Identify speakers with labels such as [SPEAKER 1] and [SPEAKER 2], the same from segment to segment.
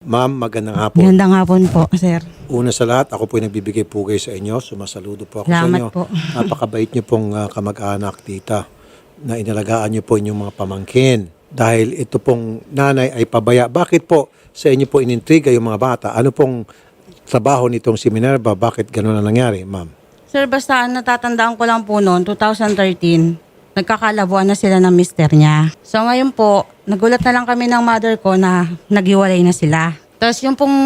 [SPEAKER 1] Ma'am, magandang hapon.
[SPEAKER 2] Magandang hapon po, sir.
[SPEAKER 1] Una sa lahat, ako po yung nagbibigay pugay sa inyo. Sumasaludo po ako sa
[SPEAKER 2] Salamat
[SPEAKER 1] inyo.
[SPEAKER 2] po.
[SPEAKER 1] Napakabait niyo pong kamag-anak, tita, na inalagaan niyo po inyong mga pamangkin. Dahil ito pong nanay ay pabaya. Bakit po sa inyo po inintriga yung mga bata? Ano pong trabaho nitong si Minerva? Bakit gano'n na nangyari, ma'am?
[SPEAKER 2] Sir, basta natatandaan ko lang po noon, 2013, nagkakalabuan na sila ng mister niya. So ngayon po, nagulat na lang kami ng mother ko na naghiwalay na sila. Tapos yung pong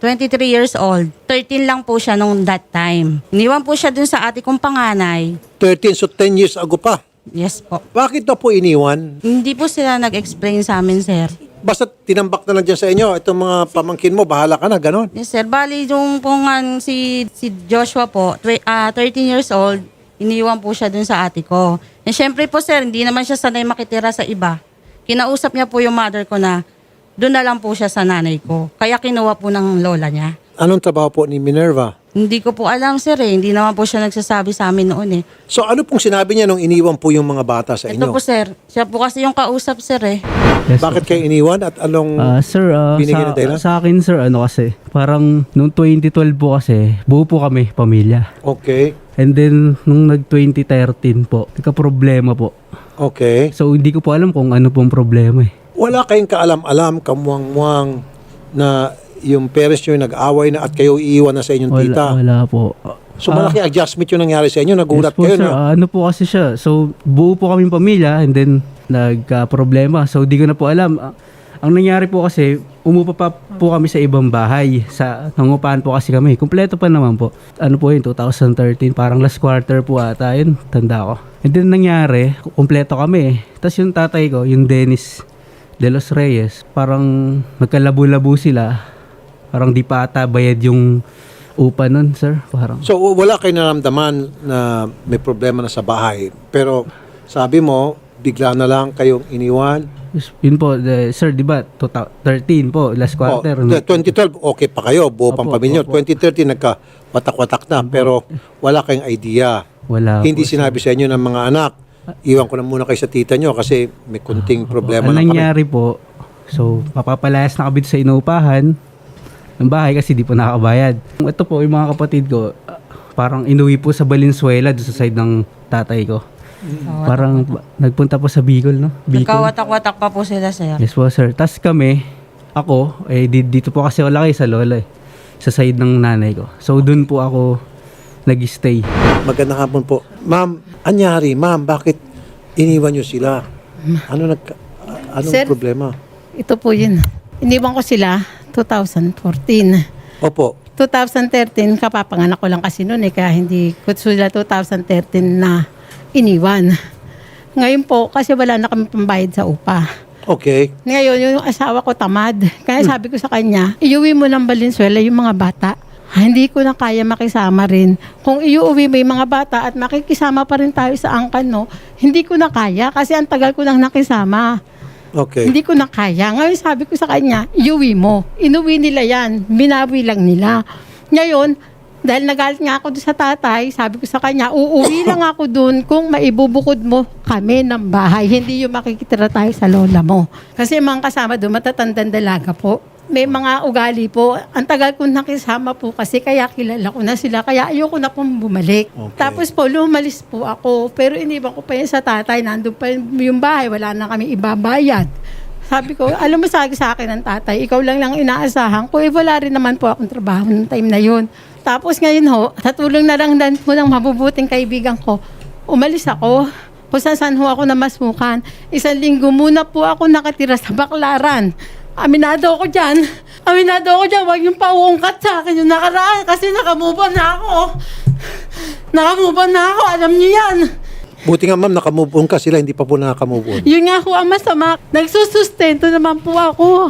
[SPEAKER 2] 23 years old, 13 lang po siya nung that time. Iniwan po siya dun sa ate kong panganay.
[SPEAKER 1] 13, so 10 years ago pa.
[SPEAKER 2] Yes po.
[SPEAKER 1] Bakit na po iniwan?
[SPEAKER 2] Hindi po sila nag-explain sa amin, sir.
[SPEAKER 1] Basta tinambak na lang dyan sa inyo. Itong mga pamangkin mo, bahala ka na, gano'n.
[SPEAKER 2] Yes, sir. Bali, yung pong si Joshua po, 13 years old, iniwan po siya dun sa ate ko. And syempre po, sir, hindi naman siya sanay makitira sa iba. Kinausap niya po yung mother ko na doon na lang po siya sa nanay ko. Kaya kinuha po ng lola niya.
[SPEAKER 1] Anong trabaho po ni Minerva?
[SPEAKER 2] Hindi ko po alam, sir, eh. Hindi naman po siya nagsasabi sa amin noon, eh.
[SPEAKER 1] So ano pong sinabi niya nung iniwan po yung mga bata sa
[SPEAKER 2] Ito
[SPEAKER 1] inyo?
[SPEAKER 2] po, sir. Siya po kasi yung kausap, sir, eh.
[SPEAKER 3] Yes,
[SPEAKER 1] Bakit kayo iniwan at anong
[SPEAKER 3] sir,
[SPEAKER 1] binigyan na dahilan?
[SPEAKER 3] sa akin sir, ano kasi, parang nung 2012 po kasi, buo po kami, pamilya.
[SPEAKER 1] Okay.
[SPEAKER 3] And then, nung nag-2013 po, nagka-problema po.
[SPEAKER 1] Okay.
[SPEAKER 3] So, hindi ko po alam kung ano pong problema eh.
[SPEAKER 1] Wala kayong kaalam-alam, kamuang-muang na yung parents nyo yung nag-away na at kayo iiwan na sa inyong tita.
[SPEAKER 3] Wala po.
[SPEAKER 1] So malaki adjustment yung nangyari sa inyo. Nagulat
[SPEAKER 3] Yes po,
[SPEAKER 1] kayo
[SPEAKER 3] sir.
[SPEAKER 1] na.
[SPEAKER 3] Ano po kasi siya. So, buo po kaming pamilya and then nagka-problema. So, di ko na po alam. Ang nangyari po kasi, umupa pa po kami sa ibang bahay. Nangupahan po kasi kami. Kumpleto pa naman po. Ano po yun, 2013. Parang last quarter po ata yun. Tanda ko. And then nangyari, kumpleto kami. Tapos yung tatay ko, yung Dennis De Los Reyes, parang nagkalabo-labo sila. Parang di pa ata bayad yung upa nun, sir. Parang.
[SPEAKER 1] So wala kayong naramdaman na may problema na sa bahay. Pero sabi mo, bigla na lang kayong iniwan.
[SPEAKER 3] Yes, yun po, sir, di ba? 2013 po, last quarter.
[SPEAKER 1] 2012, okay pa kayo. Buo pang
[SPEAKER 3] Opo,
[SPEAKER 1] pamilya.
[SPEAKER 3] opo.
[SPEAKER 1] 2013, nagka-watak-watak na. Pero wala kayong idea.
[SPEAKER 3] Wala
[SPEAKER 1] Hindi
[SPEAKER 3] po,
[SPEAKER 1] sinabi sa inyo ng mga anak, iwan ko na muna kayo sa tita nyo kasi may kunting problema
[SPEAKER 3] Ang
[SPEAKER 1] na kami.
[SPEAKER 3] nangyari po, so, mapapalayas na kami sa inuupahan ng bahay kasi di po nakakabayad. Ito po, yung mga kapatid ko, parang inuwi po sa Valenzuela, doon sa side ng tatay ko. Parang nagpunta po sa Bicol, no? Bicol.
[SPEAKER 2] Nagkawatak-watak pa po sila, sir.
[SPEAKER 3] Yes po, sir. Tapos kami, ako, dito po kasi ako laki sa lola eh. Sa side ng nanay ko. So, doon po ako nag-stay.
[SPEAKER 1] Magandang hapon po. Ma'am, anyari, ma'am, bakit iniwan nyo sila? Anong
[SPEAKER 4] Sir,
[SPEAKER 1] problema?
[SPEAKER 4] Ito po yun. Iniwan ko sila 2014.
[SPEAKER 1] Opo.
[SPEAKER 4] 2013, kapapanganak ko lang kasi noon eh, kaya hindi ko sila 2013 na iniwan. Ngayon po, kasi wala na kami pambayad sa upa.
[SPEAKER 1] Okay.
[SPEAKER 4] Ngayon, yung asawa ko tamad. Kaya sabi ko sa kanya, iuwi mo ng Valenzuela yung mga bata. Hindi ko na kaya makisama rin. Kung iuwi mo yung mga bata at makikisama pa rin tayo sa angkan, no, hindi ko na kaya kasi ang tagal ko nang nakisama.
[SPEAKER 1] Okay.
[SPEAKER 4] Hindi ko na kaya. Ngayon sabi ko sa kanya, iuwi mo. Inuwi nila yan. Binawi lang nila. Ngayon, dahil nagalit nga ako doon sa tatay, sabi ko sa kanya, uuwi lang ako doon kung maibubukod mo kami ng bahay. Hindi yung makikitira tayo sa lola mo. Kasi mga kasama doon, matatandang dalaga po. May mga ugali po. Ang tagal kong nakisama po kasi kaya kilala ko na sila. Kaya ayoko na pong bumalik.
[SPEAKER 1] Okay.
[SPEAKER 4] Tapos po, lumalis po ako. Pero iniwan ko pa yun sa tatay. Nandun pa yung bahay. Wala na kami ibabayad. Sabi ko, alam mo sa akin ng tatay, ikaw lang inaasahan ko. Eh, wala rin naman po akong trabaho ng time na yun. Tapos ngayon ho, sa tulong na lang po ng mabubuting kaibigan ko, umalis ako. Kung saan ho ako namasukan. 1 linggo muna po ako nakatira sa Baclaran. Aminado ako dyan. Huwag yung pauungkat sa akin yung nakaraan kasi nakamove on na ako. Alam niyo yan.
[SPEAKER 1] Buti nga ma'am, nakamove on ka. Sila hindi pa po nakamove on.
[SPEAKER 4] Yun nga ho ang masama. Nagsusustento naman po ako.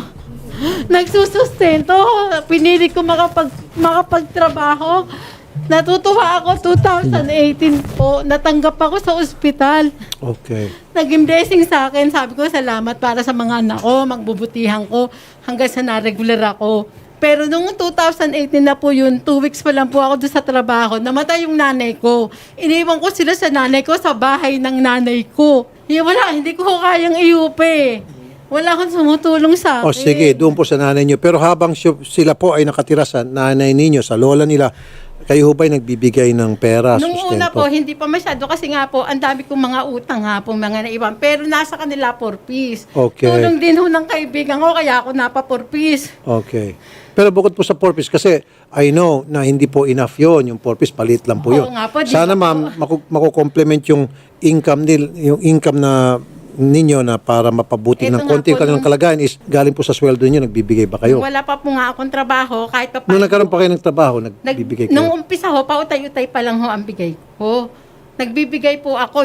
[SPEAKER 4] Pinili ko makapagtrabaho. Natutuwa ako 2018 po. Natanggap ako sa ospital.
[SPEAKER 1] Okay.
[SPEAKER 4] Naging blessing sa akin. Sabi ko, salamat para sa mga anak ko, magbubutihan ko hanggang sa na-regular ako. Pero nung 2018 na po yun, 2 weeks pa lang po ako doon sa trabaho, namatay yung nanay ko. Iniwan ko sila sa nanay ko sa bahay ng nanay ko. Wala, hindi ko kayang iupi. Wala akong sumutulong sa akin.
[SPEAKER 1] O sige, doon po sa nanay niyo. Pero habang sila po ay nakatira sa nanay ninyo, sa lola nila, kayo ho ba'y nagbibigay ng pera,
[SPEAKER 4] Nung una po,
[SPEAKER 1] sustento?
[SPEAKER 4] hindi pa masyado kasi nga po, ang dami kong mga utang nga po, mga naiwan. Pero nasa kanila 4 piece.
[SPEAKER 1] Okay.
[SPEAKER 4] Tulong din ho ng kaibigan ko, kaya ako napa 4 piece.
[SPEAKER 1] Okay. Pero bukod po sa 4 piece, kasi I know na hindi po enough yon, yung 4 piece, palit lang po yun.
[SPEAKER 4] Oo nga po, di
[SPEAKER 1] Sana
[SPEAKER 4] ba
[SPEAKER 1] ma'am, makukomplement yung income na ninyo na para mapabuti
[SPEAKER 4] Ito
[SPEAKER 1] ng
[SPEAKER 4] nga
[SPEAKER 1] konti
[SPEAKER 4] po,
[SPEAKER 1] kanilang
[SPEAKER 4] nung-
[SPEAKER 1] kalagayan is galing po sa sweldo niyo, nagbibigay ba kayo?
[SPEAKER 4] Wala pa po nga akong trabaho, kahit pa
[SPEAKER 1] Nung nagkaroon pa kayo ng trabaho, nagbibigay
[SPEAKER 4] Nung
[SPEAKER 1] kayo?
[SPEAKER 4] umpisa ho, pautay-utay pa lang ho ang bigay ko. Nagbibigay po ako,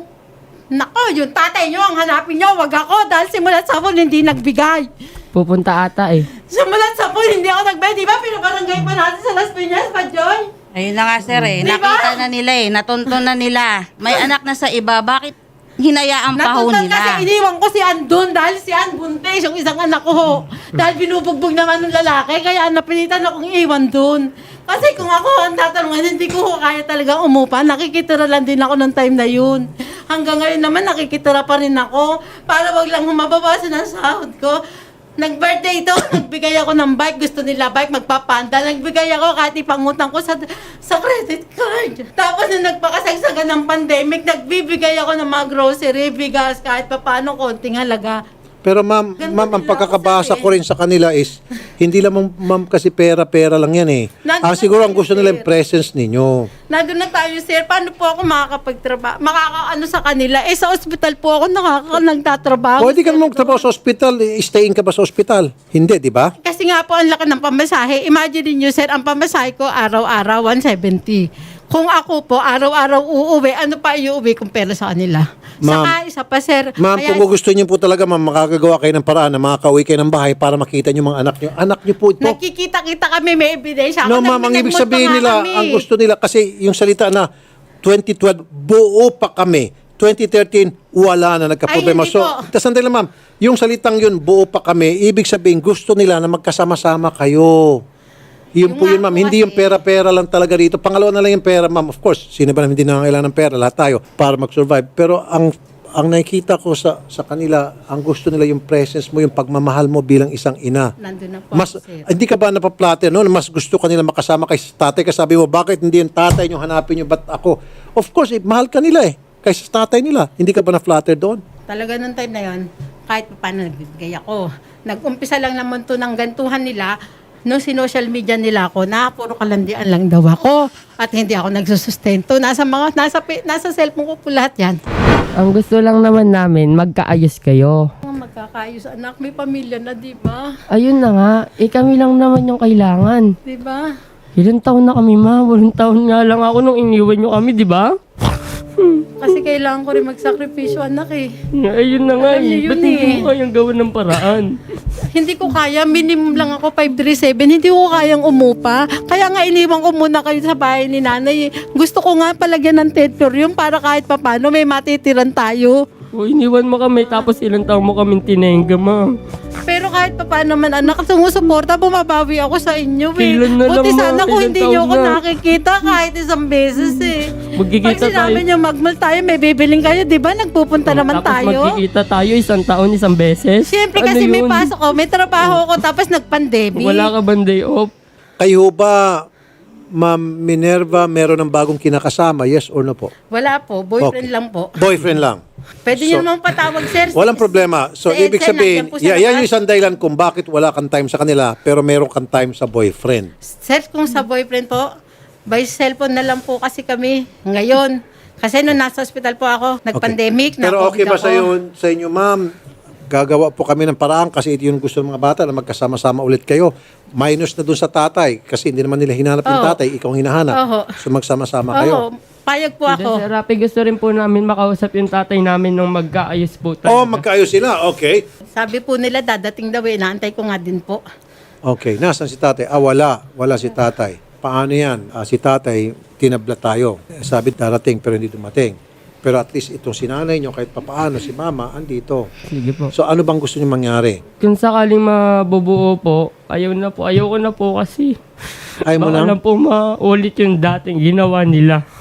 [SPEAKER 4] yung tatay nyo, ang hanapin nyo, wag ako, dahil simulat sa hapon, hindi nagbigay.
[SPEAKER 5] Pupunta ata eh.
[SPEAKER 4] Simulat sa hapon, hindi ako nagbigay. Di ba, pinabarangay pa natin sa Las Piñas, pa, Joy?
[SPEAKER 2] Ayun na nga sir eh.
[SPEAKER 4] Di ba?
[SPEAKER 2] Nakita na nila eh. Natunton na nila. May anak na sa iba. Bakit hinayaan pa ho
[SPEAKER 4] Natutunan
[SPEAKER 2] nila?
[SPEAKER 4] kasi iniwan ko si Ann doon dahil si Ann buntis, yung isang anak ko ho. Dahil binubugbog naman ng lalaki, kaya napilitan akong iwan doon. Kasi kung ako ang tatanungan, hindi ko ho kaya talaga umupa. Nakikitira lang din ako ng time na yun. Hanggang ngayon naman, nakikitira pa rin ako. Para wag lang humababasan ang sahod ko. Nag-birthday ito, nagbigay ako ng bike. Gusto nila bike, magpapanda. Nagbigay ako kahit ipangutang ko sa credit card. Tapos nung nagpakasagsagan ng pandemic, nagbibigay ako ng mga grocery, bigas, kahit paano konting halaga.
[SPEAKER 1] Pero ma'am,
[SPEAKER 4] Ganun
[SPEAKER 1] ang
[SPEAKER 4] nila
[SPEAKER 1] pagkakabasa
[SPEAKER 4] ako
[SPEAKER 1] ko rin sa kanila is, hindi lang ma'am kasi pera-pera lang yan eh.
[SPEAKER 4] Nandun
[SPEAKER 1] Siguro
[SPEAKER 4] na
[SPEAKER 1] ang
[SPEAKER 4] tayo,
[SPEAKER 1] gusto nila
[SPEAKER 4] sir.
[SPEAKER 1] yung presence ninyo.
[SPEAKER 4] Nandun na tayo, sir. Paano po ako makakapagtrabaho? Makakaano sa kanila? Eh, sa ospital po ako nagtatrabaho.
[SPEAKER 1] Pwede ka
[SPEAKER 4] sir.
[SPEAKER 1] naman magtrabaho sa ospital, staying ka ba sa ospital? Hindi, di ba?
[SPEAKER 4] Kasi nga po, ang laki ng pamasahe. Imagine niyo, sir, ang pamasahe ko araw-araw, 170. Kung ako po, araw-araw uuwi, ano pa iuwi kong pera sa kanila?
[SPEAKER 1] Ma'am.
[SPEAKER 4] Saka isa pa, sir.
[SPEAKER 1] Ma'am,
[SPEAKER 4] kaya-
[SPEAKER 1] kung gusto niyo po talaga, ma'am, makakagawa kayo ng paraan na makakauwi kayo ng bahay para makita niyo mga anak niyo. Anak niyo po ito.
[SPEAKER 4] Nakikita-kita kami, may ebidensya.
[SPEAKER 1] No,
[SPEAKER 4] Ako,
[SPEAKER 1] ma'am, ang ibig
[SPEAKER 4] nagmulto
[SPEAKER 1] sabihin
[SPEAKER 4] nga
[SPEAKER 1] nila,
[SPEAKER 4] kami.
[SPEAKER 1] ang gusto nila, kasi yung salita na 2012, buo pa kami. 2013, wala na, nagka-problema.
[SPEAKER 4] Ay, hindi
[SPEAKER 1] So,
[SPEAKER 4] po.
[SPEAKER 1] sandali lang, ma'am, yung salitang yun, buo pa kami, ibig sabihin, gusto nila na magkasama-sama kayo. Yun
[SPEAKER 4] Yung
[SPEAKER 1] po yun,
[SPEAKER 4] nga
[SPEAKER 1] ma'am.
[SPEAKER 4] po
[SPEAKER 1] Hindi
[SPEAKER 4] kasi-
[SPEAKER 1] yung pera-pera lang talaga rito. Pangalawa na lang yung pera, ma'am. Of course, sino ba naman hindi nangangailangan ng pera? Lahat tayo para mag-survive. Pero ang nakikita ko sa kanila, ang gusto nila yung presence mo, yung pagmamahal mo bilang isang ina.
[SPEAKER 4] Nandun na po
[SPEAKER 1] Mas,
[SPEAKER 4] ako, sir.
[SPEAKER 1] hindi ka ba napaplate, no? Mas gusto ka nila makasama kay tatay. Kasi sabi mo, bakit hindi yung tatay nyo hanapin nyo, ba't ako? Of course, mahal ka nila eh. Kaysa sa tatay nila. Hindi ka ba na-flatter doon?
[SPEAKER 4] Talaga nung time na yon, kahit pa paano nagbibigay ako. Nag-umpisa lang naman to ng gantuhan nila, nung sinocial media nila ako, na puro kalandian lang daw ako at hindi ako nagsusustento. Nasa cellphone ko po lahat yan.
[SPEAKER 5] Ang gusto lang naman namin, magkaayos kayo.
[SPEAKER 4] Magkakaayos anak, may pamilya na, di ba?
[SPEAKER 5] Ayun na nga, kami lang naman yung kailangan.
[SPEAKER 4] Di ba?
[SPEAKER 5] Ilang taon na kami, ma? 8 taon nga lang ako nung iniwan nyo kami, di ba?
[SPEAKER 4] Kasi kailangan ko rin magsakripisyo anak eh.
[SPEAKER 5] Ayun na nga
[SPEAKER 4] Alam niyo
[SPEAKER 5] eh.
[SPEAKER 4] yun
[SPEAKER 5] Ba't hindi
[SPEAKER 4] eh.
[SPEAKER 5] mo kayang gawan ng paraan?
[SPEAKER 4] Hindi ko kaya, minimum lang ako 537, hindi ko kayang umupa. Kaya nga iniwan ko muna kayo sa bahay ni nanay. Gusto ko nga palagyan ng teritorium para kahit papano may matitiran tayo.
[SPEAKER 5] O iniwan mo kami, tapos ilang taon mo kaming tinengga, ma.
[SPEAKER 4] Pero kahit paano man anak, sumusuporta, bumabawi ako sa inyo eh.
[SPEAKER 5] Kailan na
[SPEAKER 4] Buti
[SPEAKER 5] lang, ma?
[SPEAKER 4] sana kung
[SPEAKER 5] Ilang
[SPEAKER 4] hindi
[SPEAKER 5] taon
[SPEAKER 4] nyo ako
[SPEAKER 5] na?
[SPEAKER 4] nakikita kahit isang beses eh.
[SPEAKER 5] Magkikita
[SPEAKER 4] Pag sinabi
[SPEAKER 5] tayo.
[SPEAKER 4] nyo magmal tayo, may bibiling kayo, di ba? Nagpupunta naman
[SPEAKER 5] Tapos
[SPEAKER 4] tayo.
[SPEAKER 5] magkikita tayo 1 taon, 1 beses.
[SPEAKER 4] Siyempre
[SPEAKER 5] Ano
[SPEAKER 4] kasi may
[SPEAKER 5] yun?
[SPEAKER 4] pasok ko, may trabaho ko, tapos nag-pandemic.
[SPEAKER 5] Wala ka bang day off?
[SPEAKER 1] Kayo ba, Ma'am Minerva, meron ng bagong kinakasama? Yes or no po?
[SPEAKER 4] Wala po, boyfriend
[SPEAKER 1] Okay.
[SPEAKER 4] lang po.
[SPEAKER 1] Boyfriend lang.
[SPEAKER 4] Pwede
[SPEAKER 1] So,
[SPEAKER 4] nyo naman patawag, sir.
[SPEAKER 1] Walang problema. So,
[SPEAKER 4] Sir,
[SPEAKER 1] ibig
[SPEAKER 4] sir,
[SPEAKER 1] sabihin,
[SPEAKER 4] nandiyan po sa
[SPEAKER 1] yan yung
[SPEAKER 4] labas.
[SPEAKER 1] isang dahilan kung bakit wala kang time sa kanila, pero meron kang time sa boyfriend.
[SPEAKER 4] Sir, kung sa boyfriend po, by cellphone na lang po kasi kami ngayon. Kasi nung nasa hospital po ako, nag-pandemic,
[SPEAKER 1] Pero okay ba
[SPEAKER 4] na-COVID ako.
[SPEAKER 1] sa inyo, ma'am? Gagawa po kami ng paraan kasi ito yung gusto ng mga bata na magkasama-sama ulit kayo. Minus na dun sa tatay kasi hindi naman nila hinanap yung
[SPEAKER 4] Oo.
[SPEAKER 1] tatay, ikaw ang hinahanap.
[SPEAKER 4] Oo.
[SPEAKER 1] So magsama-sama kayo.
[SPEAKER 4] Oo, payag po
[SPEAKER 5] Hindi,
[SPEAKER 4] ako.
[SPEAKER 5] Sir Rapi, gusto rin po namin makausap yung tatay namin nung magkaayos po talaga.
[SPEAKER 1] Oh, magkaayos sila. Okay.
[SPEAKER 4] Sabi po nila, dadating daw eh, naantay ko nga din po.
[SPEAKER 1] Okay. Nasaan si tatay? Wala. Wala si tatay. Paano yan? Si tatay, tinabla tayo. Sabi darating pero hindi dumating. Pero at least itong sinanay nyo, kahit papaano, si mama, andito.
[SPEAKER 5] Sige po.
[SPEAKER 1] So ano bang gusto nyo mangyari?
[SPEAKER 5] Kung sakaling mabubuo po, ayoko na po kasi.
[SPEAKER 1] Ayaw mo
[SPEAKER 5] Baka
[SPEAKER 1] lang?
[SPEAKER 5] lang po maulit yung dating ginawa nila.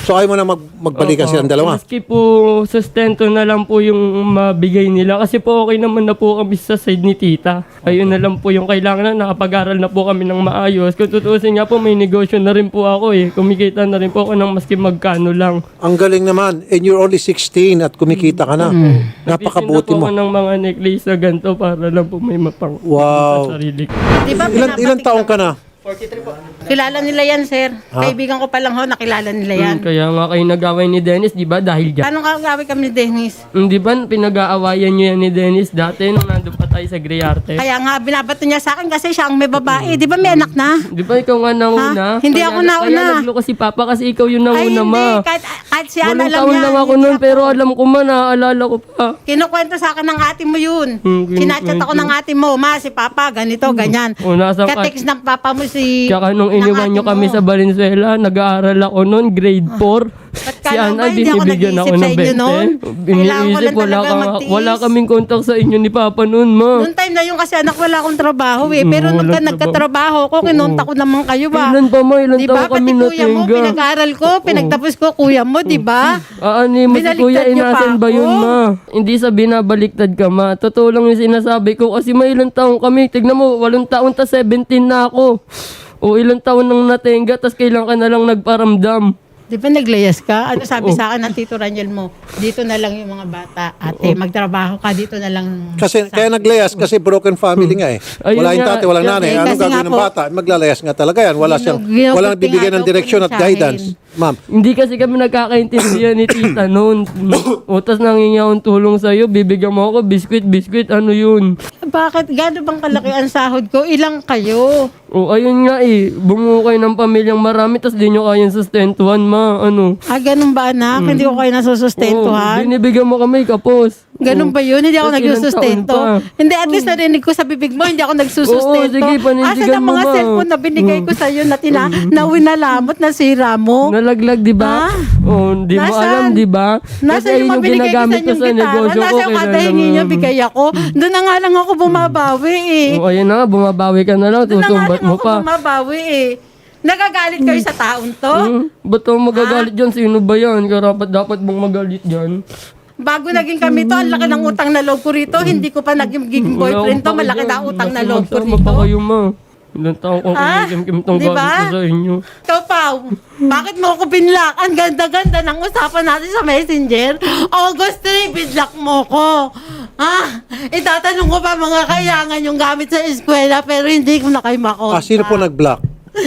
[SPEAKER 1] So ayaw mo na magbalikan
[SPEAKER 5] Opo.
[SPEAKER 1] silang dalawa?
[SPEAKER 5] Maski po sustento na lang po yung mabigay nila. Kasi po okay naman na po kami sa side ni tita. Ayun na lang po yung kailangan na nakapag-aral na po kami ng maayos. Kung tutuusin nga po, may negosyo na rin po ako eh. Kumikita na rin po ako ng maski magkano lang.
[SPEAKER 1] Ang galing naman. And you're only 16 at kumikita ka na. Napakabuti
[SPEAKER 5] Nagtitinda po
[SPEAKER 1] mo.
[SPEAKER 5] ako ng mga necklace na ganito para lang po may mapang
[SPEAKER 1] Wow.
[SPEAKER 5] sa sarili ko.
[SPEAKER 4] Di ba,
[SPEAKER 1] Ilan taong ka na?
[SPEAKER 4] Kilala nila yan, sir. Kaibigan ko pa lang ho, nakilala nila yan.
[SPEAKER 5] Kaya nga kayo nag-away ni Dennis, di ba? Dahil dyan.
[SPEAKER 4] Anong kagawin kami ni Dennis?
[SPEAKER 5] Di ba pinag-aawayan nyo yan ni Dennis dati nung nandun pa tayo sa Griarte?
[SPEAKER 4] Kaya nga, binabato niya sa akin kasi siya ang may babae. Di ba may anak na?
[SPEAKER 5] Di ba ikaw nga nauna?
[SPEAKER 4] Ha? Hindi ako nauna.
[SPEAKER 5] Kaya naglo si Papa kasi ikaw yung
[SPEAKER 4] Ay,
[SPEAKER 5] nauna,
[SPEAKER 4] hindi.
[SPEAKER 5] ma.
[SPEAKER 4] Kahit siya,
[SPEAKER 5] Walang
[SPEAKER 4] alam
[SPEAKER 5] taon
[SPEAKER 4] niya.
[SPEAKER 5] lang ako
[SPEAKER 4] hindi
[SPEAKER 5] nun, pero alam ko man, naaalala ko pa.
[SPEAKER 4] Kinukwento sa akin ng ate mo yun.
[SPEAKER 5] Hmm,
[SPEAKER 4] Sinachat ako ng ate mo, ma, si Papa, ganito, ganyan.
[SPEAKER 5] O, nasa
[SPEAKER 4] Ka-text ng Papa mo si...
[SPEAKER 5] Kaya nung
[SPEAKER 4] ng
[SPEAKER 5] iniwan
[SPEAKER 4] ate
[SPEAKER 5] nyo kami
[SPEAKER 4] mo.
[SPEAKER 5] sa Valenzuela, nag-aaral ako noon, grade 4.
[SPEAKER 4] Ba't
[SPEAKER 5] Si
[SPEAKER 4] kala mo ba
[SPEAKER 5] Ana,
[SPEAKER 4] hindi ako
[SPEAKER 5] binibigyan ako
[SPEAKER 4] nag-iisip sa
[SPEAKER 5] ng
[SPEAKER 4] inyo noon?
[SPEAKER 5] 20.
[SPEAKER 4] Kailangan ko
[SPEAKER 5] Biniisip,
[SPEAKER 4] lang talaga magtiis.
[SPEAKER 5] wala kaming contact sa inyo ni Papa noon, ma.
[SPEAKER 4] Noong time na yun kasi anak, wala akong trabaho eh. Pero nung
[SPEAKER 5] walang
[SPEAKER 4] nagkatrabaho ko, kinunta ko naman kayo ba?
[SPEAKER 5] Ilan pa, ma? Ilan
[SPEAKER 4] Di
[SPEAKER 5] taon
[SPEAKER 4] ba?
[SPEAKER 5] kami
[SPEAKER 4] Pati kuya mo,
[SPEAKER 5] natingga?
[SPEAKER 4] pinag-aral ko, pinagtapos ko, kuya mo, di ba?
[SPEAKER 5] Ni mo si
[SPEAKER 4] Binaliktad
[SPEAKER 5] Kuya,
[SPEAKER 4] niyo pa
[SPEAKER 5] inasan ba yun,
[SPEAKER 4] ako?
[SPEAKER 5] ma? Hindi sa binabaliktad ka, ma. Totoo lang yung sinasabi ko kasi may ilang taon kami. Tignan mo, 8 taon ta 17 na ako. O ilang taon nang natenga, tas kailan ka na lang nagparamdam.
[SPEAKER 4] Di ba naglayas ka? Ano sabi sa akin ng Tito Raniel mo? Dito na lang yung mga bata. Ate, magtrabaho ka, dito na lang.
[SPEAKER 1] Kasi kaya naglayas kasi broken family nga eh.
[SPEAKER 5] Ayun
[SPEAKER 1] Wala yung
[SPEAKER 5] nga.
[SPEAKER 1] tatay, walang nanay.
[SPEAKER 4] Eh,
[SPEAKER 1] Anong
[SPEAKER 4] kasi
[SPEAKER 1] gagawin
[SPEAKER 4] nga
[SPEAKER 1] ng
[SPEAKER 4] po,
[SPEAKER 1] bata? Maglalayas nga talaga yan. Wala siyang walang bibigyan ng direksyon at guidance. Ma'am,
[SPEAKER 5] Hindi kasi kami nagkakaintindihan ni tita noon. Utas nangingi akong tulong sa'yo, bibigyan mo ako, biskwit, ano yun?
[SPEAKER 4] Bakit? Gano'n bang kalaki ang sahod ko? Ilang kayo?
[SPEAKER 5] O ayun nga eh, bumuo kayo ng pamilyang marami, tas di nyo kayang sustentuhan, ma, ano.
[SPEAKER 4] Ganun ba anak? Hindi ko kayo
[SPEAKER 5] Oo,
[SPEAKER 4] nasusustentuhan?
[SPEAKER 5] binibigyan mo kami, kapos.
[SPEAKER 4] Ganun ba yun? Hindi ako
[SPEAKER 5] Tapos ilang
[SPEAKER 4] nagsusustento.
[SPEAKER 5] taon pa?
[SPEAKER 4] Hindi, at least narinig ko sa bibig mo, hindi ako nagsusustento.
[SPEAKER 5] Oo, sige, panindigan
[SPEAKER 4] Asan ang
[SPEAKER 5] mo,
[SPEAKER 4] mga
[SPEAKER 5] ma?
[SPEAKER 4] cellphone na binigay ko sa'yo na na winalamot, nasira mo?
[SPEAKER 5] Nalaglag, di ba?
[SPEAKER 4] Ha?
[SPEAKER 5] Oh, di mo
[SPEAKER 4] Nasaan?
[SPEAKER 5] alam, di ba? Kasi
[SPEAKER 4] Nasa yung
[SPEAKER 5] ayun yung
[SPEAKER 4] mabinigay ko sa
[SPEAKER 5] ginagamit ko
[SPEAKER 4] inyong
[SPEAKER 5] sa
[SPEAKER 4] gitara?
[SPEAKER 5] negosyo ko.
[SPEAKER 4] Nasa yung kada hingi niyo, bigay ako? Doon na nga lang ako bumabawi eh.
[SPEAKER 5] O ayun na nga, bumabawi ka na lang,
[SPEAKER 4] Doon na nga
[SPEAKER 5] susumbat
[SPEAKER 4] lang
[SPEAKER 5] mo
[SPEAKER 4] ako
[SPEAKER 5] pa.
[SPEAKER 4] bumabawi eh. Nagagalit kayo sa taon to?
[SPEAKER 5] Ba't ako magagalit dyan? Sino ba yan? Karapat dapat bang magalit dyan?
[SPEAKER 4] Bago naging kami to, ang laki ng utang na loob ko rito. Hindi ko pa naging boyfriend to, malaki na utang na loob ko
[SPEAKER 5] Magsama pa
[SPEAKER 4] rito.
[SPEAKER 5] kayo, ma. Ilang taon kong kinikim tong
[SPEAKER 4] Di ba?
[SPEAKER 5] galit ko sa inyo.
[SPEAKER 4] Ikaw, Pao, bakit mo ako binlock? Ang ganda-ganda ng usapan natin sa Messenger. August 3, binlock mo ko. Itatanong ko pa mga kayangan yung gamit sa eskwela pero hindi ko na kayo makontak.
[SPEAKER 1] sino po nag-block?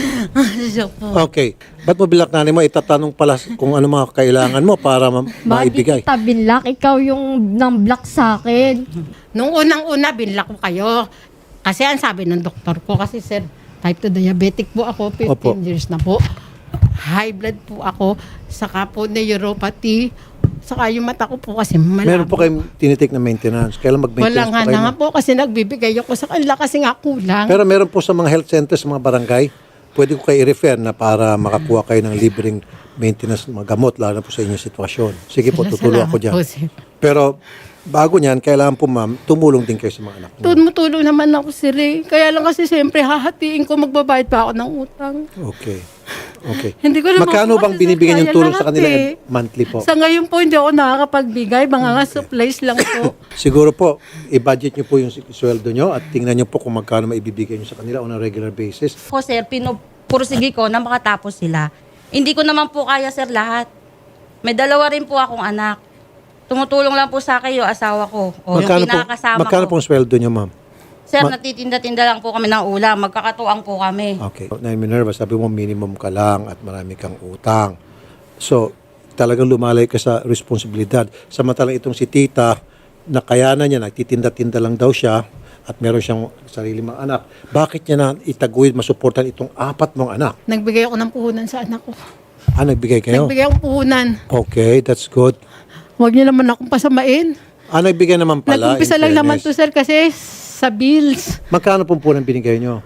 [SPEAKER 4] Siya po.
[SPEAKER 1] Okay. Ba't mo bilak nanay mo? Itatanong pala kung ano mga kailangan mo para maibigay.
[SPEAKER 6] Bakit kita binlock? Ikaw yung nang block sa akin.
[SPEAKER 4] Nung unang-una, binlock ko kayo. Kasi ang sabi ng doktor ko, kasi sir, type 2 diabetic po ako, 15
[SPEAKER 1] Opo.
[SPEAKER 4] years na po. High blood po ako, saka po neuropathy, saka yung mata ko po kasi malabo.
[SPEAKER 1] Meron po kayong tinitik na maintenance. Kailan
[SPEAKER 4] Wala
[SPEAKER 1] mag-maintenance
[SPEAKER 4] nga
[SPEAKER 1] pa kayo?
[SPEAKER 4] na nga po kasi nagbibigay ako sa kanila kasi nga kulang.
[SPEAKER 1] Pero meron po sa mga health centers, sa mga barangay, pwede ko kayo i-refer na para makakuha kayo ng libreng maintenance ng mga gamot, lalo na po sa inyong sitwasyon. Sige po, tutulong ako dyan.
[SPEAKER 4] Salamat po, sir.
[SPEAKER 1] Pero bago niyan, kailangan po ma'am, tumulong din kayo sa mga anak niyo.
[SPEAKER 4] Tumutulong naman ako sir eh. Kaya lang kasi siyempre hahatiin ko magbabayad pa ako ng utang.
[SPEAKER 1] Okay. Okay.
[SPEAKER 4] Hindi ko naman
[SPEAKER 1] Magkano
[SPEAKER 4] po
[SPEAKER 1] bang
[SPEAKER 4] kasi
[SPEAKER 1] binibigyan yung
[SPEAKER 4] kaya
[SPEAKER 1] tulong sa
[SPEAKER 4] lahat
[SPEAKER 1] kanila
[SPEAKER 4] eh.
[SPEAKER 1] monthly po?
[SPEAKER 4] Sa ngayon po hindi ako nakakapagbigay. Mga nga supplies lang po.
[SPEAKER 1] Siguro po, i-budget niyo po yung sweldo niyo at tingnan niyo po kung magkano maibibigay niyo sa kanila on a regular basis.
[SPEAKER 2] Ako, sir, pinupursige ko na makatapos sila. Hindi ko naman po kaya, sir, lahat. May dalawa rin po akong anak. Tumutulong lang po sa akin yung asawa ko. O yung pinakasama
[SPEAKER 1] magkano
[SPEAKER 2] ko.
[SPEAKER 1] pong sweldo niyo, ma'am?
[SPEAKER 2] Sir, natitinda-tinda lang po kami ng ulam. Magkakatuang po kami.
[SPEAKER 1] Okay. Na Minerva, sabi mo minimum ka lang at marami kang utang. So, talagang lumalay ka sa responsibilidad. Samantalang itong si tita, nakayanan niya, nagtitinda-tinda lang daw siya at meron siyang sarili mga anak. Bakit niya na itaguyod, masuportan itong 4 mong anak?
[SPEAKER 4] Nagbigay ako ng puhunan sa anak ko.
[SPEAKER 1] Nagbigay kayo?
[SPEAKER 4] Nagbigay akong puhunan.
[SPEAKER 1] Okay, that's good.
[SPEAKER 4] Huwag niyo naman akong pasamain.
[SPEAKER 1] Nagbigay naman pala.
[SPEAKER 4] Nag-umpisa
[SPEAKER 1] in
[SPEAKER 4] lang naman to
[SPEAKER 1] fairness.
[SPEAKER 4] sir kasi sa bills.
[SPEAKER 1] Magkano pong po binigay niyo?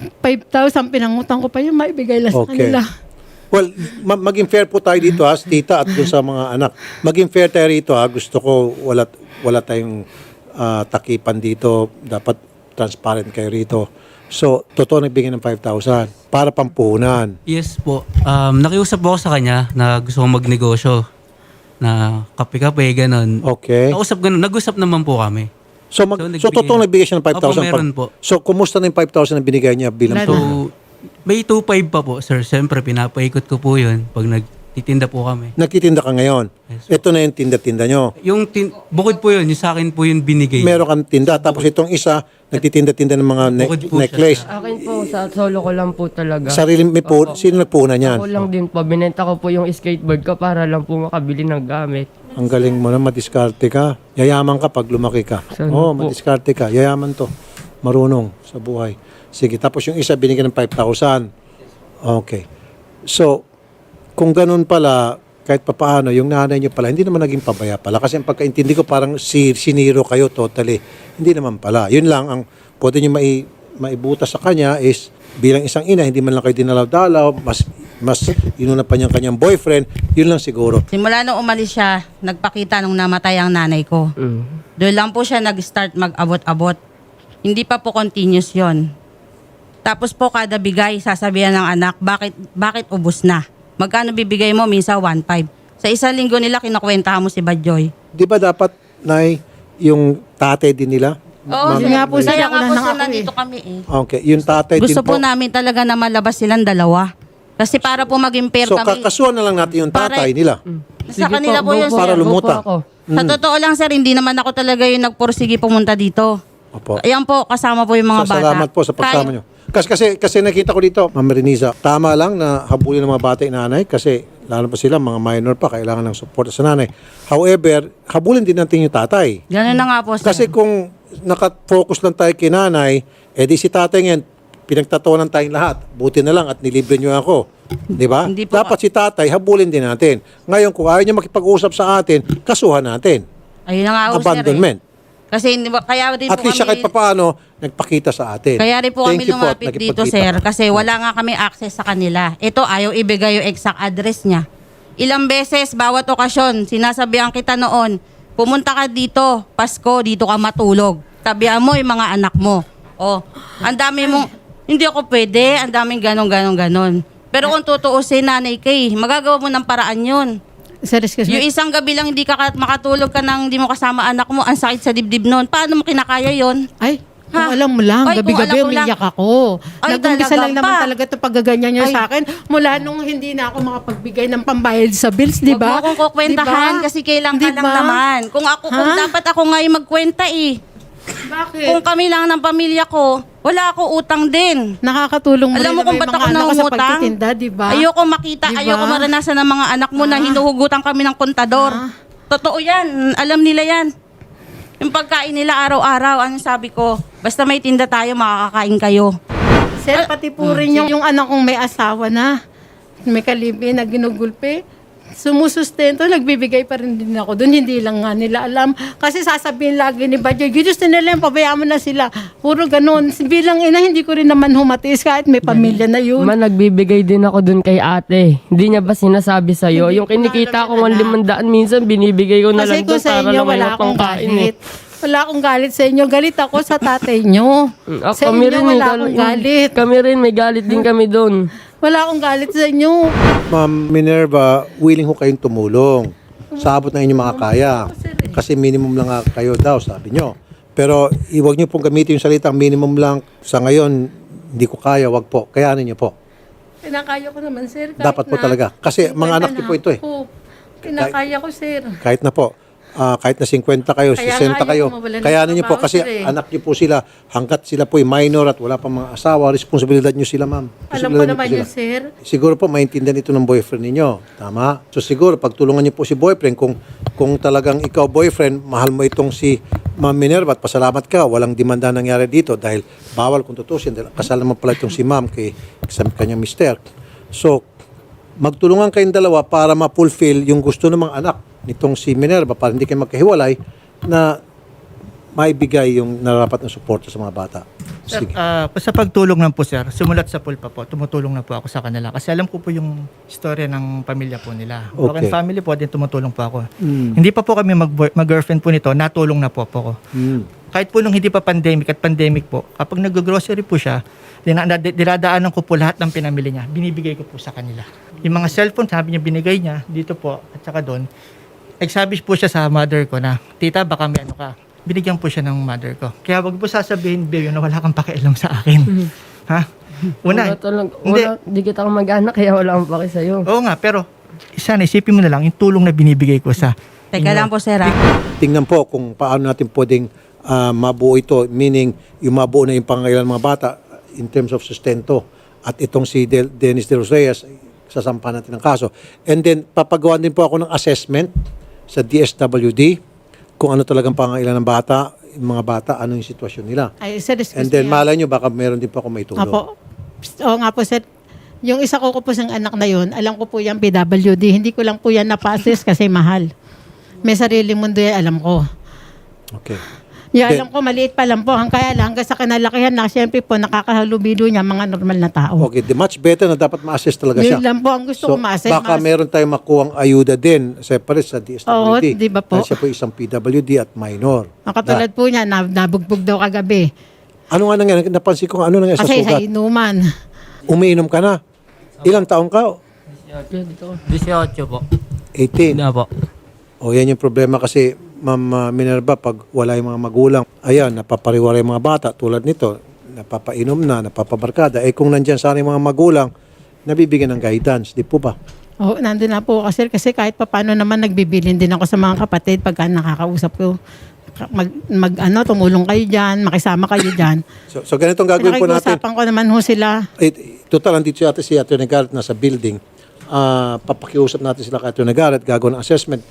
[SPEAKER 4] 5,000 pinangutang ko pa yun, maibigay lang sa
[SPEAKER 1] Okay.
[SPEAKER 4] kanila.
[SPEAKER 1] Well, maging fair po tayo dito ha, tita at dun sa mga anak. Maging fair tayo rito ha. Gusto ko wala tayong takipan dito. Dapat transparent kayo rito. So, totoo nagbigay ng 5,000 para pampuhunan.
[SPEAKER 3] Yes po. Nakiusap po ako sa kanya na gusto kong magnegosyo. Na kape-kape, ganun.
[SPEAKER 1] Okay.
[SPEAKER 3] Nag-usap naman po kami.
[SPEAKER 1] So,
[SPEAKER 3] So,
[SPEAKER 1] totoo nagbigay siya ng 5,000?
[SPEAKER 3] Opo, meron po.
[SPEAKER 1] So, kumusta na yung 5,000 na binigay niya bilang
[SPEAKER 3] So, may 2.5 pa po, sir. Siyempre, pinapaikot ko po yun pag nagtitinda po kami.
[SPEAKER 1] Nagtitinda ka ngayon? Ito na yung tinda-tinda nyo.
[SPEAKER 3] Bukod po yun, yung sa akin po yung binigay.
[SPEAKER 1] Meron kang tinda. Tapos itong isa, nagtitinda-tinda ng mga
[SPEAKER 3] Bukod po siya
[SPEAKER 1] necklace.
[SPEAKER 5] Akin po, sa solo ko lang po talaga.
[SPEAKER 1] Sarili, sino nagpuhunan yan?
[SPEAKER 5] Ako lang din po, binenta ko po yung skateboard ko para lang po makabili ng gamit.
[SPEAKER 1] Ang galing mo na, madiskarte ka. Yayaman ka pag lumaki ka.
[SPEAKER 5] Sana
[SPEAKER 1] Oo,
[SPEAKER 5] po.
[SPEAKER 1] madiskarte ka. Yayaman to. Marunong sa buhay. Sige, tapos yung isa binigyan ng 5,000. Okay. So, kung ganun pala, kahit papaano, yung nanay niyo pala, hindi naman naging pabaya pala. Kasi ang pagkaintindi ko, parang siniro kayo totally. Hindi naman pala. Yun lang, ang pwede niyo maibutas sa kanya is, bilang isang ina, hindi man lang kayo dinalaw-dalaw, mas inuna pa niyang kanyang boyfriend, yun lang siguro.
[SPEAKER 2] Simula nung umalis siya, nagpakita nung namatay ang nanay ko. Doon lang po siya nag-start mag-abot-abot. Hindi pa po continuous yon. Tapos po kada bigay, sasabihan ng anak, bakit ubos na? Magkano bibigay mo? Minsan 1.5. Sa isang linggo nila, kinukwentahan mo si Badjoy.
[SPEAKER 1] Di ba dapat, Nay, yung tatay din nila?
[SPEAKER 2] Oo,
[SPEAKER 4] Yun nga po, sir,
[SPEAKER 2] kaya
[SPEAKER 4] ako
[SPEAKER 2] nga
[SPEAKER 4] na
[SPEAKER 2] po
[SPEAKER 4] lang
[SPEAKER 2] sir,
[SPEAKER 4] ako
[SPEAKER 2] nandito kami eh.
[SPEAKER 1] Okay, yung tatay
[SPEAKER 2] Gusto
[SPEAKER 1] din po.
[SPEAKER 2] po namin talaga na malabas silang dalawa. Kasi para po maging fair
[SPEAKER 1] So,
[SPEAKER 2] kami.
[SPEAKER 1] kakasuhan na lang natin yung tatay nila.
[SPEAKER 2] Sa kanila po yun,
[SPEAKER 5] go
[SPEAKER 1] Para
[SPEAKER 2] sir.
[SPEAKER 1] lumuta.
[SPEAKER 5] Go po ako.
[SPEAKER 2] Sa totoo lang, sir, hindi naman ako talaga yung nagpursige pumunta dito.
[SPEAKER 1] Opo.
[SPEAKER 2] Ayan po, kasama po yung mga bata.
[SPEAKER 1] Salamat po sa pagsama nyo. Kasi nakita ko dito, Ma'am Reniza, tama lang na habulin ng mga bata yung nanay kasi lalo pa sila, mga minor pa, kailangan ng support sa nanay. However, habulin din natin yung tatay.
[SPEAKER 2] Ganun na nga po, sir.
[SPEAKER 1] Kasi kung nakafocus lang tayo kay nanay, edi si tatay ngayon, pinagtatawanan tayong lahat. Buti na lang at nilibre nyo ako. Di ba?
[SPEAKER 2] Hindi po.
[SPEAKER 1] Dapat si tatay, habulin din natin. Ngayon, kung ayaw niya makipag-usap sa atin, kasuhan natin.
[SPEAKER 2] Ayun na nga po,
[SPEAKER 1] Abandonment.
[SPEAKER 2] sir. Kasi hindi ba, kaya rin
[SPEAKER 1] At
[SPEAKER 2] po
[SPEAKER 1] least siya kahit
[SPEAKER 2] kami,
[SPEAKER 1] papaano, nagpakita sa atin.
[SPEAKER 2] kaya rin po
[SPEAKER 1] Thank
[SPEAKER 2] kami
[SPEAKER 1] you po at
[SPEAKER 2] lumapit dito,
[SPEAKER 1] nakipagkita
[SPEAKER 2] sir.
[SPEAKER 1] ka.
[SPEAKER 2] Kasi wala nga kami access sa kanila. Ito, ayaw ibigay yung exact address niya. Ilang beses, bawat okasyon, sinasabihan kita noon, pumunta ka dito, Pasko, dito ka matulog. Tabihan mo yung mga anak mo. Oh, ang dami mong, hindi ako pwede, ang daming ganon. Pero kung tutuusin, nanay kay, magagawa mo ng paraan yun.
[SPEAKER 4] Sir, excuse
[SPEAKER 2] Yung
[SPEAKER 4] me.
[SPEAKER 2] isang gabi lang hindi ka makatulog ka nang hindi mo kasama anak mo, ang sakit sa dibdib noon. Paano mo kinakaya yon?
[SPEAKER 4] Ay, kung
[SPEAKER 2] Ha?
[SPEAKER 4] alam mo lang,
[SPEAKER 2] Ay, kung
[SPEAKER 4] gabi-gabi
[SPEAKER 2] alam mo lang.
[SPEAKER 4] umiyak ako.
[SPEAKER 2] Ay,
[SPEAKER 4] Nag-umpisa
[SPEAKER 2] talaga
[SPEAKER 4] lang naman
[SPEAKER 2] pa.
[SPEAKER 4] talaga ito paggaganyan niya
[SPEAKER 2] Ay.
[SPEAKER 4] sa akin. Mula nung hindi na ako makapagbigay ng pambayad sa bills, di ba?
[SPEAKER 2] Huwag mo akong kukwentahan
[SPEAKER 4] Di ba?
[SPEAKER 2] kasi kailang
[SPEAKER 4] Di
[SPEAKER 2] ka lang
[SPEAKER 4] ba?
[SPEAKER 2] naman. Kung
[SPEAKER 4] Ha?
[SPEAKER 2] dapat ako nga yung magkwenta eh.
[SPEAKER 4] Bakit?
[SPEAKER 2] Kung kami lang ng pamilya ko, wala ako utang din.
[SPEAKER 4] Nakakatulong mo
[SPEAKER 2] Alam
[SPEAKER 4] rin
[SPEAKER 2] mo kung
[SPEAKER 4] naman
[SPEAKER 2] ba't
[SPEAKER 4] yung
[SPEAKER 2] ako
[SPEAKER 4] mga anak ko sa
[SPEAKER 2] nangungutang?
[SPEAKER 4] pagtitinda, di ba?
[SPEAKER 2] Ayoko makita,
[SPEAKER 4] Diba?
[SPEAKER 2] ayoko maranasan ng mga anak mo na hinuhugutan kami ng kontador. Totoo yan, alam nila yan. Yung pagkain nila araw-araw, anong sabi ko, basta may tinda tayo, makakakain kayo.
[SPEAKER 4] Sir, pati po rin yung anak kong may asawa na, may kalibi na ginugulpe. Sumusustento, nagbibigay pa rin din ako doon. Hindi lang nga nila alam. Kasi sasabihin lagi ni Badyo, gusto nila yung pabayaan mo na sila. Puro ganun. Bilang ina, hindi ko rin naman humatiis kahit may pamilya na yun.
[SPEAKER 5] Nagbibigay din ako dun kay ate. Hindi niya ba sinasabi sa'yo?
[SPEAKER 4] Hindi
[SPEAKER 5] Yung
[SPEAKER 4] ko na
[SPEAKER 5] kinikita ko
[SPEAKER 4] alam yan,
[SPEAKER 5] 500, minsan binibigay ko na
[SPEAKER 4] Kasi
[SPEAKER 5] lang
[SPEAKER 4] kung
[SPEAKER 5] dun
[SPEAKER 4] sa
[SPEAKER 5] para
[SPEAKER 4] inyo,
[SPEAKER 5] lang may
[SPEAKER 4] wala akong
[SPEAKER 5] pangkain eh.
[SPEAKER 4] galit. Wala akong galit sa inyo. Galit ako sa tatay nyo. Sa
[SPEAKER 5] Kami
[SPEAKER 4] inyo,
[SPEAKER 5] rin,
[SPEAKER 4] wala akong galit.
[SPEAKER 5] Kami rin, may galit din kami dun.
[SPEAKER 4] Wala akong galit sa inyo.
[SPEAKER 1] Ma'am Minerva, willing ho kayong tumulong. Sa abot na inyong makakaya. Kasi minimum lang nga kayo daw, sabi nyo. Pero huwag nyo pong gamitin yung salitang minimum lang. Sa ngayon, hindi ko kaya, wag po. Kayanin nyo po.
[SPEAKER 4] Kinakaya ko naman, sir. kahit
[SPEAKER 1] Dapat po
[SPEAKER 4] na-
[SPEAKER 1] talaga. Kasi mga anak niyo po ito eh.
[SPEAKER 4] Ako. Kinakaya ko, sir.
[SPEAKER 1] Kahit na po. Kahit na 50 kayo,
[SPEAKER 4] Kaya
[SPEAKER 1] 60
[SPEAKER 4] nga
[SPEAKER 1] kayo,
[SPEAKER 4] ayaw mawalan ng
[SPEAKER 1] kayanin nyo po
[SPEAKER 4] trabaho,
[SPEAKER 1] kasi
[SPEAKER 4] sir, eh.
[SPEAKER 1] anak nyo po sila, hanggat sila po minor at wala pang mga asawa, responsibilidad nyo sila, ma'am.
[SPEAKER 4] Alam ko
[SPEAKER 1] Responsibilidad nyo
[SPEAKER 4] naman
[SPEAKER 1] po
[SPEAKER 4] yun,
[SPEAKER 1] sila.
[SPEAKER 4] sir.
[SPEAKER 1] Siguro po maintindihan ito ng boyfriend ninyo. Tama? So siguro pagtulungan niyo po si boyfriend kung talagang ikaw boyfriend, mahal mo itong si Ma'am Minerva at pasalamat ka, walang demanda nangyari dito dahil bawal kung tutusin. Dahil kasal naman pala itong si Ma'am sa kanyang mister. So magtulungan kayong dalawa para ma-fulfill yung gusto ng mga anak nitong si Minerva para hindi kayo magkahiwalay na maibigay yung nararapat na suporta sa mga bata.
[SPEAKER 7] Sir,
[SPEAKER 1] Sige.
[SPEAKER 7] sa pagtulong lang po sir, simulat sa pool pa po, tumutulong na po ako sa kanila. Kasi alam ko po yung istorya ng pamilya po nila.
[SPEAKER 1] Okay.
[SPEAKER 7] Broken family po, din tumutulong po ako. Hindi pa po kami mag-girlfriend po nito, natulong na po ako. kahit po nung hindi pa pandemic at pandemic po, kapag nag-grocery po siya, dinadaanan ko po lahat ng pinamili niya, binibigay ko po sa kanila. Yung mga cellphone, sabi niya, binigay niya dito po at saka doon. Nagsabi po siya sa mother ko na, tita, baka may ano ka. Binigyan po siya ng mother ko. Kaya wag po sasabihin, Beo, na wala kang pakialam sa akin. Ha? Una,
[SPEAKER 5] Hindi kita mag-anak, kaya wala akong paki sa'yo.
[SPEAKER 7] oo nga, pero sana isipin mo na lang yung tulong na binibigay ko sa
[SPEAKER 2] Teka lang po, sir.
[SPEAKER 1] Tingnan po kung paano natin pwedeng mabuo ito, meaning yung mabuo na yung pangangailangan ng mga bata in terms of sustento. At itong si Dennis De Los Reyes, sasampahan natin ng kaso. And then, papagawa din po ako ng assessment sa DSWD kung ano talagang pangangailangan ng bata, yung mga bata, ano yung sitwasyon nila.
[SPEAKER 4] Ay, sir, excuse
[SPEAKER 1] And then,
[SPEAKER 4] me.
[SPEAKER 1] malay nyo, baka meron din po ako may tulong.
[SPEAKER 4] Opo. Oo nga po, sir. Yung isa ko po siyang anak na yun, alam ko po yung PWD. Hindi ko lang po yan na-process kasi mahal. May sariling mundo yan, alam ko.
[SPEAKER 1] Okay.
[SPEAKER 4] Yung
[SPEAKER 1] Then-
[SPEAKER 4] alam ko, maliit pa lang po. Kaya lang, hanggang sa kinalakihan na, siyempre po, nakakahalubilo niya mga normal na tao.
[SPEAKER 1] Okay, the much better na dapat ma-assess talaga siya.
[SPEAKER 4] Yun lang po ang gusto ko ma-assess.
[SPEAKER 1] Baka meron tayong makuhang ayuda din separate sa DSWD.
[SPEAKER 4] Oo, di ba po?
[SPEAKER 1] Dahil siya po isang PWD at minor.
[SPEAKER 4] Ang katulad po niya, nabugbog daw kagabi.
[SPEAKER 1] Ano nga nangyari? Napansin ko ano nangyari sa
[SPEAKER 4] Kasi sa
[SPEAKER 1] sugat.
[SPEAKER 4] inuman.
[SPEAKER 1] Umiinom ka na. Ilang taong ka?
[SPEAKER 5] 18 po.
[SPEAKER 1] 18.
[SPEAKER 5] Na po.
[SPEAKER 1] O yan yung problema kasi Ma'am Minerva, pag wala yung mga magulang, ayan, napapariwara yung mga bata tulad nito, napapainom na, napapabarkada. Eh kung nandyan sana yung mga magulang, nabibigyan ng guidance, di po ba?
[SPEAKER 4] Oo, nandun na po kasi kahit paano naman nagbibilin din ako sa mga kapatid pagka nakakausap ko. Tumulong kayo dyan, makisama kayo dyan.
[SPEAKER 1] So ganitong gagawin po natin.
[SPEAKER 4] Nakikiusapan ko naman ho sila.
[SPEAKER 1] Total, andito si Atty. Garrett nasa building. Papakiusap natin sila kay Atty. Garrett, gagawin ng assessment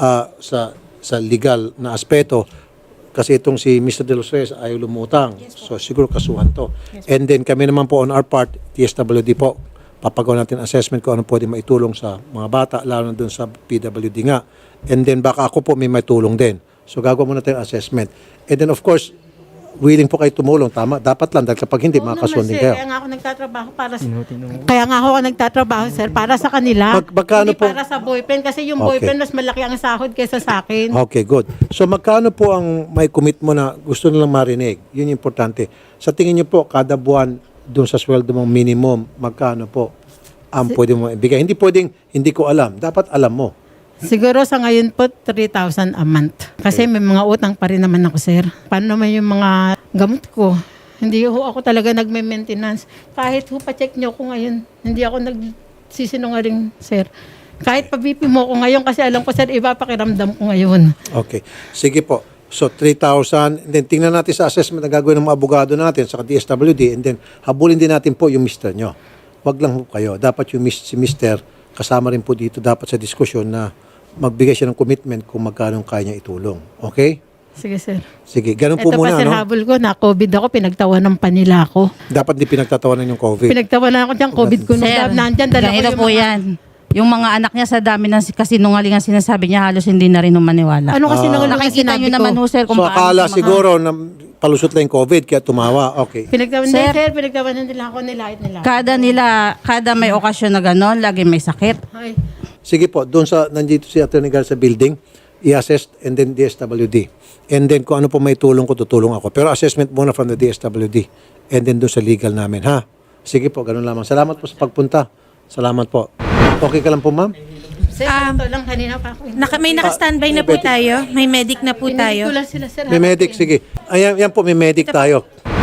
[SPEAKER 1] sa legal na aspeto. Kasi itong si Mr. De Los Reyes ay lumutang. So siguro kasuhan to. And then kami naman po on our part, TSWD po, papagawa natin assessment kung ano pwede maitulong sa mga bata, lalo na dun sa PWD nga. And then baka ako po may maitulong din. So gagawa muna tayo assessment. And then of course, willing po kayo tumulong. Tama, dapat lang dahil kapag hindi, makakasuhan din kayo.
[SPEAKER 4] Kaya nga ako nagtatrabaho sir, para sa kanila.
[SPEAKER 1] Magkano
[SPEAKER 4] Hindi
[SPEAKER 1] po?
[SPEAKER 4] para sa boyfriend. Kasi yung
[SPEAKER 1] Okay.
[SPEAKER 4] boyfriend mas malaki ang sahod kaysa sa akin.
[SPEAKER 1] Okay, good. So magkano po ang may commit mo na gusto nilang marinig? Yun yung importante. Sa tingin niyo po, kada buwan doon sa sweldo mong minimum, magkano po ang pwede mo ibigay? Hindi pwedeng, hindi ko alam. Dapat alam mo.
[SPEAKER 4] Siguro sa ngayon po, 3,000 a month. Kasi may mga utang pa rin naman ako, sir. Paano naman yung mga gamot ko? Hindi ho ako talaga nagme-maintenance. Kahit ho pa-check nyo ko ngayon, hindi ako nagsisinungaling, sir. Kahit pa-BP mo ko ngayon kasi alam ko, sir, iba pakiramdam ko ngayon.
[SPEAKER 1] Okay. Sige po. So 3,000. And then tingnan natin sa assessment na gagawin ng mga abogado natin sa DSWD. And then habulin din natin po yung mister nyo. Wag lang po kayo. Dapat yung si mister kasama rin po dito dapat sa diskusyon na magbigay siya ng commitment kung magkano kaya niya itulong. Okay?
[SPEAKER 4] Sige, sir.
[SPEAKER 1] Sige, ganun
[SPEAKER 4] Ito
[SPEAKER 1] po muna,
[SPEAKER 4] pa, sir,
[SPEAKER 1] no?
[SPEAKER 4] habol ko, na-COVID ako, pinagtawanan pa nila ako.
[SPEAKER 1] Dapat di pinagtatawanan yung COVID.
[SPEAKER 4] Pinagtawanan ako dyan, COVID ko nung
[SPEAKER 2] Sir,
[SPEAKER 4] nandyan. Dala ko
[SPEAKER 2] ganito
[SPEAKER 4] yung
[SPEAKER 2] po
[SPEAKER 4] mga-
[SPEAKER 2] yan. Yung mga anak niya sa dami ng kasinungalingan sinasabi niya, halos hindi na rin maniwala.
[SPEAKER 4] Ano kasi nung
[SPEAKER 2] Nakikita niyo naman ho, sir, kung
[SPEAKER 1] So
[SPEAKER 2] paano
[SPEAKER 1] akala
[SPEAKER 2] siya
[SPEAKER 1] siguro na palusot lang yung COVID kaya tumawa. Okay.
[SPEAKER 4] Pinagtawanan,
[SPEAKER 2] Sir.
[SPEAKER 4] sir, pinagtawanan nila ako, nilait nila.
[SPEAKER 2] kada may okasyon na gano'n, lagi may sakit.
[SPEAKER 4] Ay,
[SPEAKER 1] Sige po, doon sa nandito si Atty. Garrett sa building, i-assess and then DSWD. And then kung ano po may tulong ko, tutulong ako. Pero assessment muna from the DSWD. And then doon sa legal namin, ha? Sige po, ganun lamang. Salamat po sa pagpunta. Salamat po. Okay ka lang po, ma'am?
[SPEAKER 4] sir, ito lang kanina pa ako.
[SPEAKER 8] May naka-standby na po tayo. May medic na po
[SPEAKER 4] Pinili
[SPEAKER 8] tayo.
[SPEAKER 4] ko lang sila, sir.
[SPEAKER 1] May medic, sige. Ayan, yan po, may medic tayo.